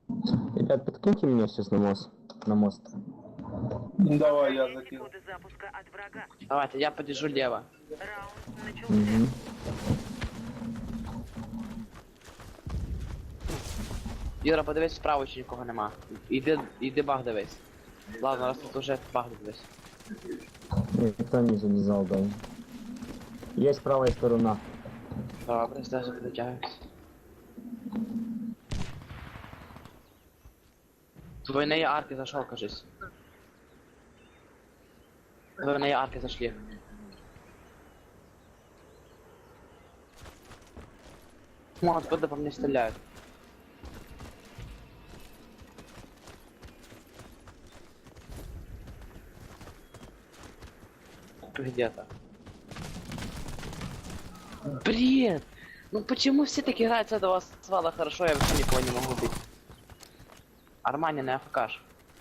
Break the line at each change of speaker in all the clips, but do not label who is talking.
Ребят, подкиньте меня сейчас на мост. На мост.
Давай, я
Сохраняйте
закину.
коды запуска от врага.
Давайте, я подержу лево.
Раунд начался.
Угу.
Юра, подивись, справа чи нікого нема. Іди баг дивись. Ладно, раз тут уже баг дивись.
Никто не залезал, да. Есть правая сторона.
Добре, зараз притягуюсь. С двойные арки зашел, кажись. Двойные арки зашли. Ну, откуда по мне стреляют? Где-то. Бред! Ну почему все так играют с этого свала хорошо, я вообще никого не могу убить. Армани на АФКш.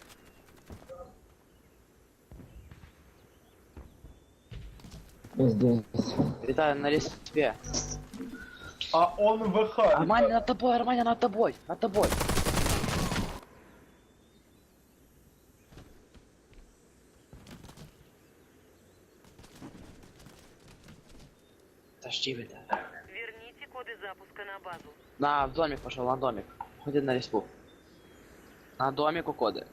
Здесь.
Витаю на респе.
А он ВХ.
Армани над тобой, Армани над тобой, над тобой. Подожди, Витя.
Верните коды запуска на базу.
В домик пошел, на домик. Ходи на респу. На домику коды.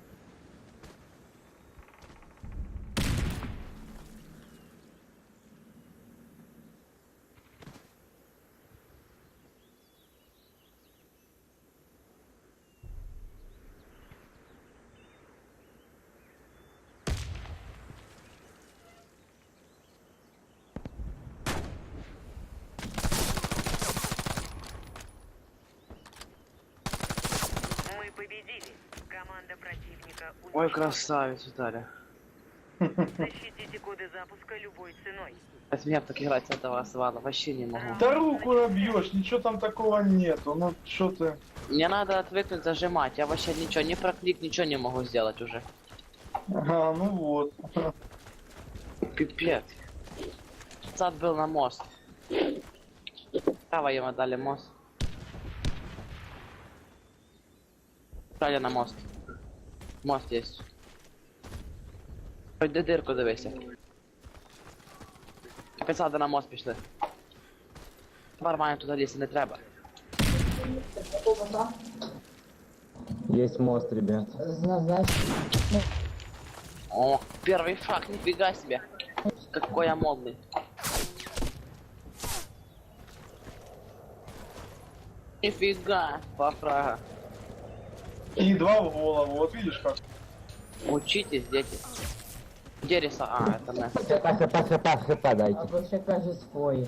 Мы победили. Команда противника
Ой,
уничтожена.
красавец, Виталий.
Защитите коды запуска любой ценой.
От меня так играть с этого свала вообще не могу.
Да руку набьешь, ничего там такого нету. Ну что ты?
Мне надо отвыкнуть зажимать. Я вообще ничего, ни проклик, ничего не могу сделать уже.
Ага, ну вот.
Пипец. Сад был на мост. Право ему дали мост. Дали на мост. Мост есть. Хоть до дырку дивися. Писати на мост пішли. Нормально туди лізти не треба.
Есть мост, ребят.
О, первый шаг, нифига себе. Какой я модный. Нифига, папрага.
И два в голову, вот видишь как.
Учитесь, дети. Где риса? А, это не.
ХП дайте.
Або ще каже свої.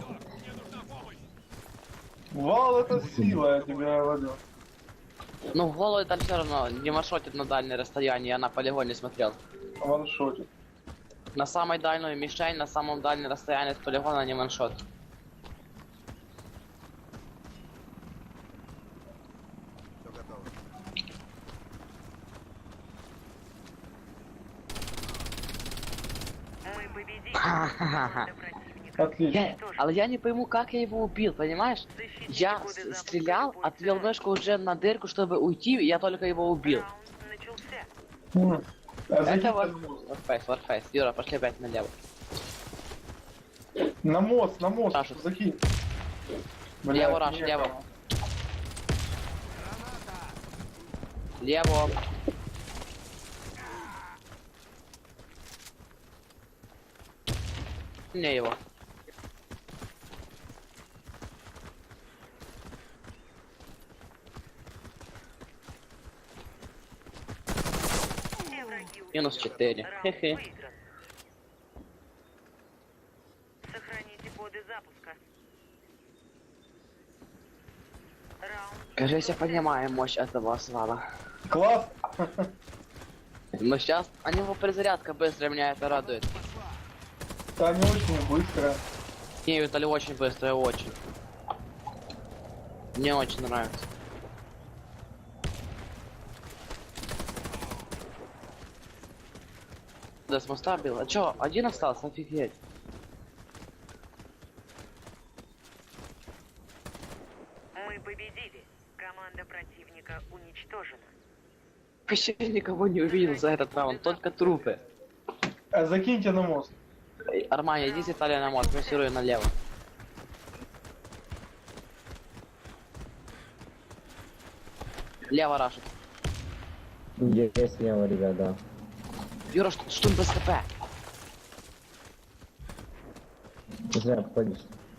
Вал это сила, я тебе говорю.
Ну, в голову там все равно не маршрутит на дальнее расстояние, я на полигоне смотрел.
Ваншотит.
На самой дальнюю мишень, на самом дальнем расстоянии от полигона не ваншот.
Мы победили. Команда противника
Отлично.
Але я не пойму, как я его убил, понимаешь?
защитите
Я
коды запуска
стрелял,
любой
отвел
ценой.
мышку уже на дырку, чтобы уйти, и я только его убил.
Раунд начался.
А зайди
Это
на мост.
Warface. Юра, пошли опять налево.
На мост,
Саша.
закинь.
Лево, Раш,
некого.
лево. Лево. Мне его.
Все враги
Минус
убиты.
4.
Раунд
Хе-хе.
выигран. Сохраните коды запуска. Раунд.
Кажется, я понимаю мощь этого свала.
Класс.
Но сейчас у него перезарядка быстрая, меня это радует.
Да, не очень быстро.
Не, Виталий, очень быстрая, очень. Мне очень нравится. Да, с моста бил. А чё, один остался? Офигеть.
Мы победили. Команда Команда противника уничтожена.
Вообще никого не увидел за этот раунд, только трупы.
Закиньте на мост.
Армани, иди с Италии на мост, массируй налево. Лево рашит.
Есть слева, ребят, да.
Юра, штурм без ХП.
Зря обходишь.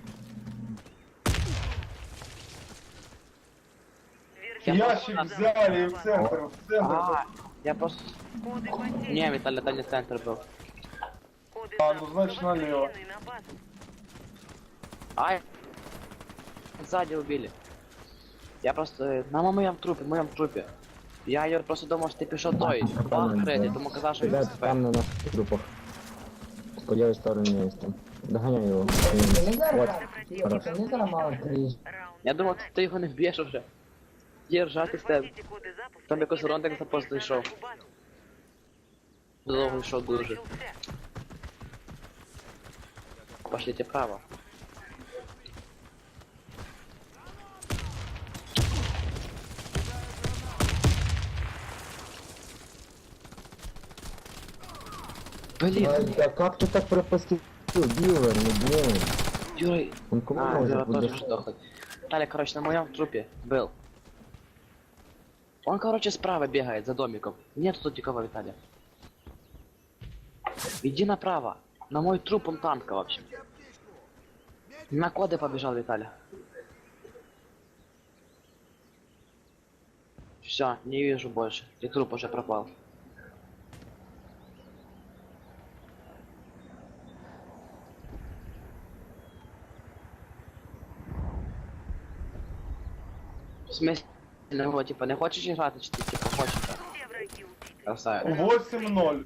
Версия
Ящик
команда
взяли в
запуска.
центр, в центр.
А, я просто...
Коды потерь.
Не, Виталий, это не центр был.
Коды
А, ну,
запуска
значит, налево.
возвращены на базу.
Ай. Сзади убили. Я просто... На моем трупе. Я, Юр, просто думал, что ты пішов той. Бах, Фредди, тому казав, що він
Ребят,
ХП.
там на наших трупах. По левой стороне есть там. Догоняй его. Вот.
Раунд
Я думав, ти його не вб'єш уже. Є ржати з тебе.
Захватите коды запуска.
Там якось
и
Рондик
верните
за пост
на
йшов.
нашу базу.
Довго йшов дуже.
Начался.
Пошлите право. Блин,
Да как ты так пропустил? Билла, ну блин.
Юра...
Он кому
А,
может
Юра тоже
подошел?
сдохнуть. Таля, короче, на моем трупе был. Он, короче, справа бегает за домиком. Нету тут никого, Виталия. Иди направо. На мой труп он танка, в общем. На коды побежал Виталий. Все, не вижу больше. И труп уже пропал. В смысле, ну, типа, не хочешь играть, чи ти, типа, хочешь?
Все враги убиты.
Красавец.
8-0.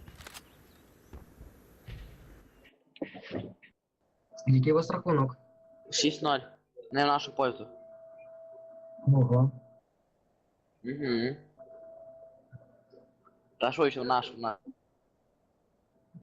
Який у вас рахунок?
6-0. Не в нашу пользу.
Ого.
Угу. Та що ще в нашу,